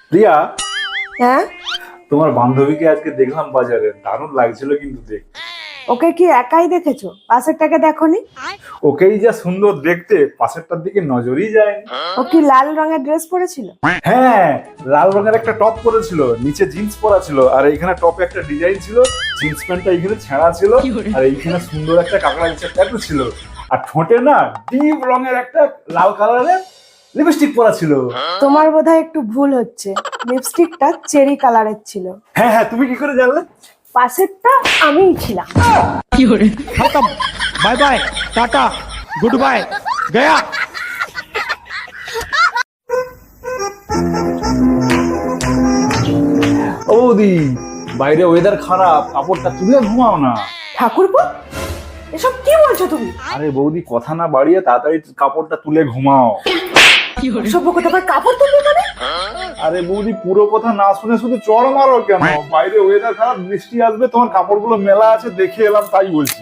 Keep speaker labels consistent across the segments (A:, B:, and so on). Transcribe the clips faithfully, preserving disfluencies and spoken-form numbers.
A: প্রিয়া,
B: হ্যাঁ,
A: তোমার বান্ধবীকে আজকে দেখলাম বাজারে, দারুণ লাগছিল কিন্তু দেখতে।
B: ওকে কি একাই দেখেছো? পাশেরটাকে দেখোনি?
A: ওকেই যা সুন্দর দেখতে, পাশেরটার দিকে নজরই যায়নি।
B: ও কি লাল রঙের ড্রেস পরেছিল?
A: হ্যাঁ, লাল রঙের একটা টপ পরেছিল, নিচে জিন্স পরা ছিল, আর এইখানে টপে একটা ডিজাইন ছিল, জিন্স প্যান্টটা এইখানে ছেঁড়া ছিল, আর এইখানে সুন্দর একটা কাঁকড়া বিছের ট্যাটু ছিল, আর ঠোঁটে না ডিপ রঙের একটা লাল কালারের লিপস্টিক পরা ছিল।
B: তোমার বোধহয় একটু ভুল হচ্ছে, লিপস্টিকটা চেরি কালারের ছিল।
A: হ্যাঁ হ্যাঁ, তুমি কি করে জানলে?
B: পাশেরটা আমিই ছিলাম।
C: खत्म। Bye bye, tata, good bye, गया।
A: ও বৌদি, বাইরে ওয়েদার খারাপ, কাপড়টা তুলে ঘুমাও না।
B: ঠাকুরপো, এসব কি বলছো তুমি?
A: আরে বৌদি, কথা না বাড়িয়ে তাড়াতাড়ি কাপড়টা তুলে ঘুমাও।
B: সভ্য কথা, আবার কাপড় তুলবে মানে?
A: আরে বৌদি, পুরো কথা না শুনে শুধু চড় মারো কেন? বাইরে ওয়েদার খারাপ, বৃষ্টি আসবে, তোমার কাপড়গুলো মেলা আছে, দেখে এলাম তাই বলছি।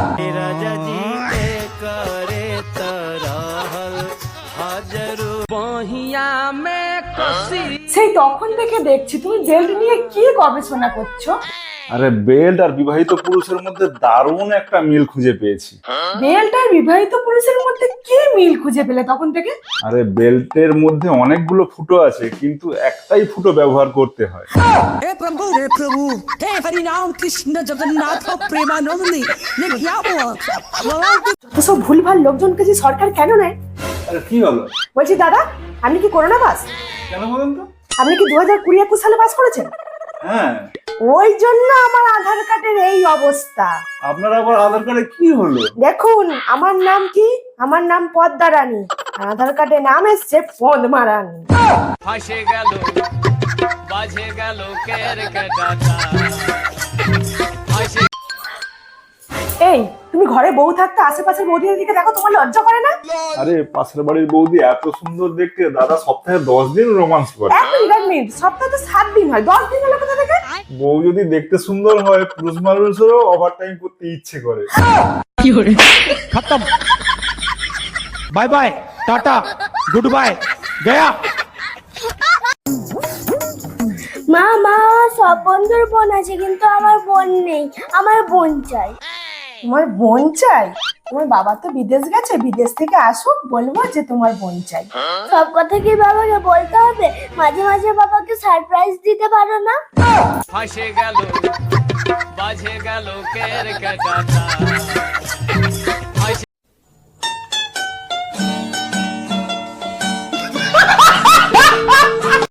B: সেই তখন থেকে দেখছি তুমি বেল্ট নিয়ে কি গবেষণা করছো।
A: আরে বেল্ট আর বিবাহিত পুরুষের মধ্যে দারুণ একটা মিল খুঁজে পেয়েছি।
B: বেল্ট আর বিবাহিত পুরুষের মধ্যে কি মিল খুঁজে পেলে তখন থেকে?
A: আরে বেল্টের মধ্যে অনেকগুলো ফুটো আছে, কিন্তু একটাই ফুটো ব্যবহার করতে হয়।
D: हे प्रभु हे प्रभु हे हरि नाम कृष्ण जगन्नाथ प्रेमानंदी ये क्या हुआ
B: তো সব ভুলভাল লোকজনকে যে সরকার কেন নেয়?
A: আরে কি হলো?
B: বলছি দাদা, আপনি কি করোনা পাস?
A: কেন বলুন তো?
B: আপনি কি দু হাজার কুড়ি একুশ সালে পাস করেছেন?
A: হ্যাঁ।
B: ওই জন্য আমার আধার কার্ডের এই অবস্থা।
A: আপনার আবার আধার কার্ডে কি হলো?
B: দেখুন, আমার নাম কি? আমার নাম পদ্মা রানী, আর আধার কার্ডে নাম এসছে পদ্মা রানী।
E: ফাঁসে গেল বাজে গেল কেরকেটাটা ফাঁসে
B: এই, তুমি ঘরে বউ থাকতে আশেপাশের বৌদিদের দিকে দেখো, তোমার লজ্জা করে না?
A: আরে পাশের বাড়ির বৌদি এত সুন্দর দেখতে, দাদা সপ্তাহে দশ দিন রোমান্স করে।
B: এক মিনিট এক মিনিট, সপ্তাহে তো সাত দিন হয়, দশ দিন হলো কোথা থেকে?
A: বউ যদি দেখতে সুন্দর হয়, পুরুষ মানুষেরও ওভার টাইম করতে ইচ্ছে করে।
C: खत्म। Bye bye, tata, good bye, गया।
F: মা মা সব বন্ধুর বোন আছে, কিন্তু আমার বোন নেই, আমার বোন চাই।
B: তোমার বোন চাই? তোমার বাবা তো বিদেশ গেছে, বিদেশ থেকে আসুক, বলবো যে তোমার বোন চাই।
F: সব কথা কি বাবাকে বলতে হবে? মাঝে মাঝে বাবাকে সারপ্রাইজ দিতে পারো না?
E: ফাঁসে গেল বাজে গেল কেরকেটাটা